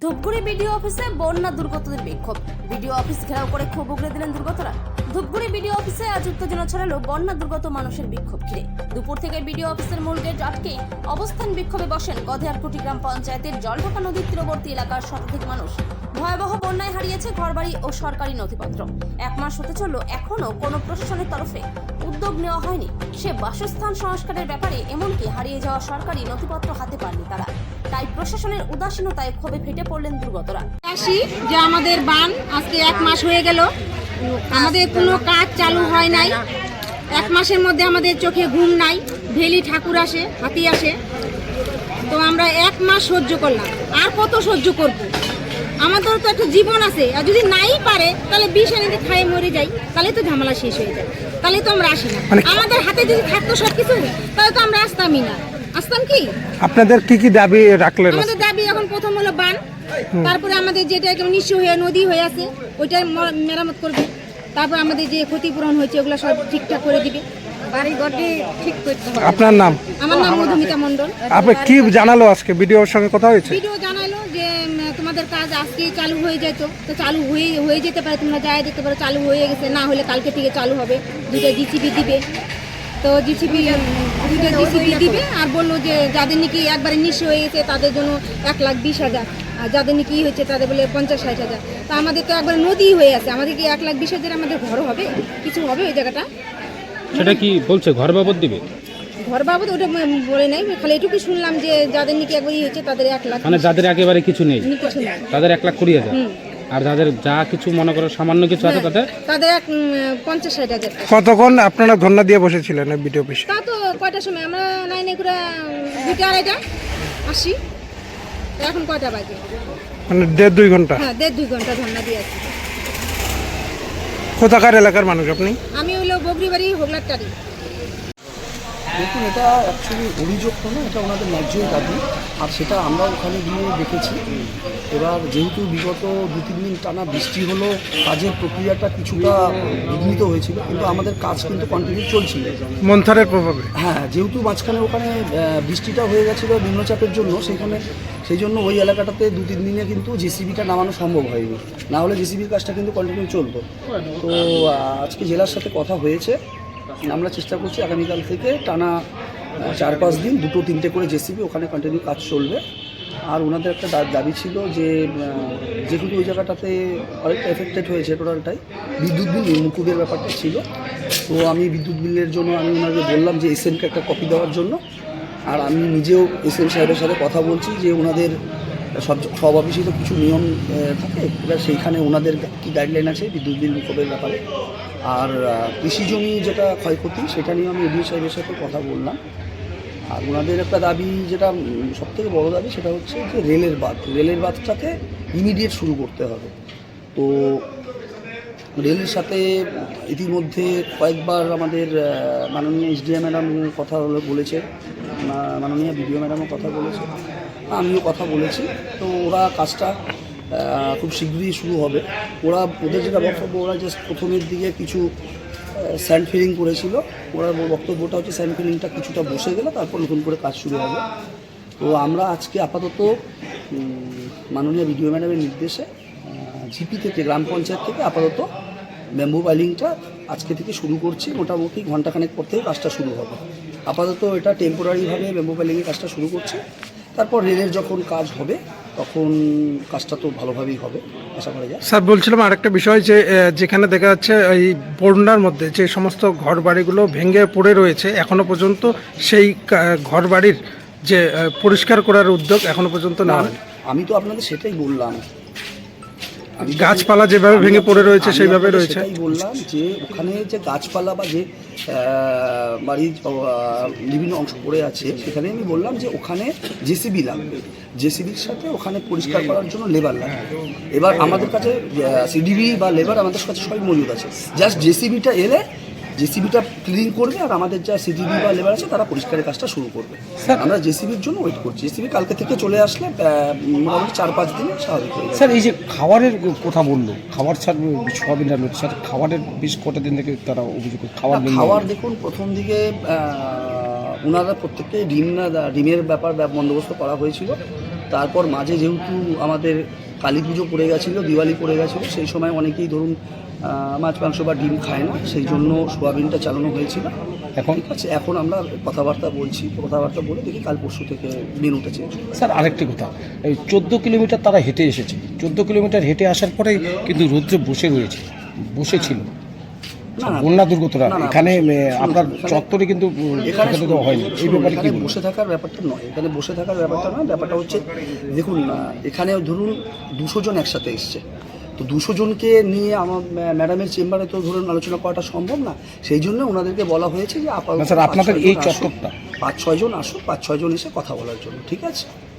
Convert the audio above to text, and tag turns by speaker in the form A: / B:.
A: Dhupguri BDO অফিসে বন্যা দুর্গতদের বিক্ষোভ। বিডিও অফিস ঘেরাও করে ক্ষোভ উগড়ে দিলেন দুর্গতরা। ধূপগুড়ি বিডিও অফিসে আজ উত্তেজনা ছড়ালো বন্যা দুর্গত মানুষের বিক্ষোভ ঘিরে। দুপুর থেকে বিডিও অফিসের মূল গেট আটকে অবস্থান বিক্ষোভে বসেন গধেয়ারকুটি গ্রাম পঞ্চায়েতের জলঢাকা নদীর তীরবর্তী এলাকার শতাধিক মানুষ। ভয়াবহ বন্যায় হারিয়েছে ঘরবাড়ি ও সরকারি নথিপত্র। এক মাস হতে চলল, এখনো কোনো প্রশাসনের তরফে উদ্যোগ নেওয়া হয়নি সে বাসস্থান সংস্কারের ব্যাপারে, এমনকি হারিয়ে যাওয়া সরকারি নথিপত্র হাতে পাননি তারা। তাই প্রশাসনের উদাসীনতায় ক্ষোভে ফেটে পড়লেন দুর্গতরা।
B: যে আমাদের বান আজকে এক মাস হয়ে গেল, আমাদের কোনো কাজ চালু হয় নাই। এক মাসের মধ্যে আমাদের চোখে ঘুম নাই, ভেলি ঠাকুর আসে, হাতি আসে, তো আমরা এক মাস সহ্য করলাম। আর কত সহ্য করব? আমাদের তো একটা জীবন আছে, আর যদি নাই পারে তাহলে বিষ এনে খাই মরে যাই, তাহলে তো ঝামেলা শেষ হয়ে যায়। তাহলে তো আমরা আসি না। আমাদের হাতে যদি থাকতো সবকিছু, তাহলে তো আমরা আসতামই না। আসতাম কি?
C: আপনাদের কি দাবি রাখলেন?
B: আমাদের দাবি এখন প্রথম হলো বান, তারপরে আমাদের যেটা নিঃস্ব হয়ে নদী হয়ে আছে ওইটা মেরামত করবে, তারপর আমাদের যে ক্ষতিপূরণ হয়েছে ওগুলো সব ঠিকঠাক করে দিবে, বাড়ি ঘরটি ঠিক করতে হবে।
C: আপনার নাম?
B: আমার নাম মধুমিতা মণ্ডল।
C: আপনি কি জানালো আজকে? ভিডিওর সঙ্গে কথা হয়েছে?
B: ভিডিও জানালো যে তোমাদের কাজ আজকে চালু হয়ে যেত, তো চালু হয়ে যেতে পারে, তোমরা যাই যেতে পারো, চালু হয়ে গেছে, না হলে কালকে থেকে চালু হবে। দুটো জিসিবি দিবে, তো জিসিবি দিবে। আর বললো যে যাদের নাকি একবারে নিঃস্ব হয়ে গেছে তাদের জন্য 1,20,000, আর যাদের নাকি হয়েছে তাদের বলে 50-60,000। তা আমাদের তো একবার নদী হয়ে আছে, আমাদের কি 1,20,000 আমাদের ঘর হবে? কিছু হবে ওই জায়গাটা?
D: সেটা কি বলছে ঘর বাবদ দিবে?
B: ঘর বাবদ ওটা বলে নাই, খালি এটুকু শুনলাম যে যাদের নাকি একবারই হয়েছে তাদের 1 লাখ,
D: মানে যাদের একেবারে কিছু নেই
B: কিছু নাই
D: তাদের 1,20,000, আর যাদের যা কিছু মনে করো সামান্য কিছু আছে
B: তাদের 50-60,000।
C: কতক্ষণ আপনারা ধর্ণা দিয়ে বসেছিলেন ভিডিও অফিসে?
B: তা তো কয়টার সময় আমরা নাই করে 2টা-2:30 আসি, এখন কয়টা বাজে?
C: মানে 1.5-2 ঘন্টা?
B: হ্যাঁ, 1.5-2 ঘন্টা ধর্ণা দিয়ে আছি।
C: কোথাকার এলাকার মানুষ আপনি?
B: আমি হলো বগরিবাড়ি হোগলারটারি।
E: দেখুন, এটা অ্যাকচুয়ালি অভিযোগ তো না, এটা ওনাদের ন্যায্য দাবি, আর সেটা আমরা ওখানে গিয়ে দেখেছি। এবার যেহেতু বিগত 2-3 দিন টানা বৃষ্টি হলো, কাজের প্রক্রিয়াটা কিছুটা বিঘ্নিত হয়েছিল, কিন্তু আমাদের কাজ কিন্তু কন্টিনিউ চলছিল
C: মন্থরের প্রভাবে।
E: হ্যাঁ, যেহেতু মাঝখানে ওখানে বৃষ্টিটা হয়ে গেছিলো নিম্নচাপের জন্য, সেই জন্য ওই এলাকাটাতে 2-3 দিনে কিন্তু জেসিবিটা নামানো সম্ভব হয়নি, না হলে জেসিবির কাজটা কিন্তু কন্টিনিউ চলতো। তো আজকে জেলার সাথে কথা হয়েছে, আমরা চেষ্টা করছি আগামীকাল থেকে টানা 4-5 দিন 2-3টে করে জেসিবি ওখানে কন্টিনিউ কাজ চলবে। আর ওনাদের একটা দাবি ছিল যে যেহেতু ওই জায়গাটাতে অনেকটা এফেক্টেড হয়েছে টোটালটাই, বিদ্যুৎ বিল মুকুবের ব্যাপারটা ছিল। তো আমি বিদ্যুৎ বিলের জন্য আমি ওনাকে বললাম যে এসএমকে একটা কপি দেওয়ার জন্য, আর আমি নিজেও এসএম সাহেবের সাথে কথা বলছি যে ওনাদের সব অফিসে তো কিছু নিয়ম থাকে, এবার সেইখানে ওনাদের কী গাইডলাইন আছে বিদ্যুৎ বিল মুকুবের ব্যাপারে। আর কৃষি জমি যেটা ক্ষয়ক্ষতি, সেটা নিয়ে আমি এডিও সাহেবের সাথে কথা বললাম। আর ওনাদের একটা দাবি, যেটা সবথেকে বড় দাবি, সেটা হচ্ছে যে রেলের বাঁধটাকে ইমিডিয়েট শুরু করতে হবে। তো রেলের সাথে ইতিমধ্যে কয়েকবার আমাদের মাননীয় এসডিএম ম্যাডাম কথা বলেছে, মাননীয় বিডিও ম্যাডামও কথা বলেছে, আমিও কথা বলেছি। তো ওরা কাজটা খুব শীঘ্রই শুরু হবে। ওদের যেটা বক্তব্য, ওরা জাস্ট প্রথমের দিকে কিছু স্যান্ড ফিলিং করেছিল, ওরা বক্তব্যটা হচ্ছে স্যান্ড ফিলিংটা কিছুটা বসে গেলে তারপর নতুন করে কাজ শুরু হবে। তো আমরা আজকে আপাতত মাননীয় বিডিও ম্যাডামের নির্দেশে জিপি থেকে, গ্রাম পঞ্চায়েত থেকে আপাতত ব্যাম্বু বাইলিংটা আজকে থেকে শুরু করছি। মোটামুটি ঘন্টাখানেক পর থেকে কাজটা শুরু হবে। আপাতত এটা টেম্পোরারিভাবে ব্যাম্বু বাইলিংয়ের কাজটা শুরু করছি, তারপর রেলের যখন কাজ হবে তখন কাজটা তো ভালোভাবেই হবে আশা করা যায়।
C: স্যার, বলছিলাম আরেকটা বিষয়, যে যেখানে দেখা যাচ্ছে এই বন্যার মধ্যে যে সমস্ত ঘর বাড়িগুলো ভেঙে পড়ে রয়েছে, এখনো পর্যন্ত সেই ঘর বাড়ির যে পরিষ্কার করার উদ্যোগ এখনো পর্যন্ত না হয়।
E: আমি তো আপনাদের সেটাই বললাম,
C: গাছপালা যেভাবে ভেঙে পড়ে রয়েছে সেইভাবে রয়েছে।
E: সেটাই বললাম যে ওখানে যে গাছপালা বা যে বাড়ির বিভিন্ন অংশ পড়ে আছে, সেখানে আমি বললাম যে ওখানে জেসিবি লাগবে, জেসিবির সাথে ওখানে পরিষ্কার করার জন্য লেবার লাগবে। এবার আমাদের কাছে সিডিবি বা লেবার আমাদের কাছে সবই মজুদ আছে, জাস্ট জেসিবিটা এলে জেসিবিটা ক্লিন করবে, আর আমাদের যা সিডিবি বা লেবার আছে তারা পরিষ্কারের কাজটা শুরু করবে। আমরা জেসিবির জন্য ওয়েট করছি, জেসিবি কালকে থেকে চলে আসলে মোটামুটি 4-5 দিনে স্বাভাবিক হয়ে যাবে।
F: স্যার, এই যে খাবারের কথা বললো, খাবার ছাড়বে সবই না, স্যার খাবারের বেশ কটা দিন থেকে তারা অভিযোগ
E: খাবার দেখুন, প্রথম দিকে ওনারা প্রত্যেককে ডিমের ব্যাপার বন্দোবস্ত করা হয়েছিল। তারপর মাঝে যেহেতু আমাদের কালী পুজো পড়ে গেছিলো, দিওয়ালি পড়ে গেছিলো, সেই সময় অনেকেই ধরুন মাছ মাংস বা ডিম খায় না, সেই জন্য সোয়াবিনটা চালানো হয়েছিল।
F: এখন
E: ঠিক আছে, এখন আমরা কথাবার্তা বলে দেখি কাল পরশু থেকে মেনুটা চেঞ্জ।
F: স্যার আরেকটি কথা, এই 14 কিলোমিটার তারা হেঁটে এসেছে, 14 কিলোমিটার হেঁটে আসার পরেই কিন্তু রৌদ্রে বসেছিল
E: না, না,
F: বন্যা দুর্গতরা
E: না, না,
F: এখানে আপনার
E: এখানে-
F: চত্বরে কিন্তু
E: এখানে
F: ঠেকাতে দেওয়া হয়নি, এই ব্যাপারে কি
E: এখানে
F: বলবেন?
E: বসে থাকার ব্যাপারটা নয়, ব্যাপারটা হচ্ছে দেখুন এখানে ধরুন 200 জন একসাথে এসছে, তো 200 জনকে নিয়ে আমার ম্যাডামের চেম্বারে তো ধরুন আলোচনা করাটা সম্ভব না, সেই জন্য ওনাদেরকে বলা হয়েছে যে
F: না স্যার, আপনাদের এই চত্বরটা
E: 5-6 জন আসুক, 5-6 জন এসে কথা বলার জন্য। ঠিক আছে।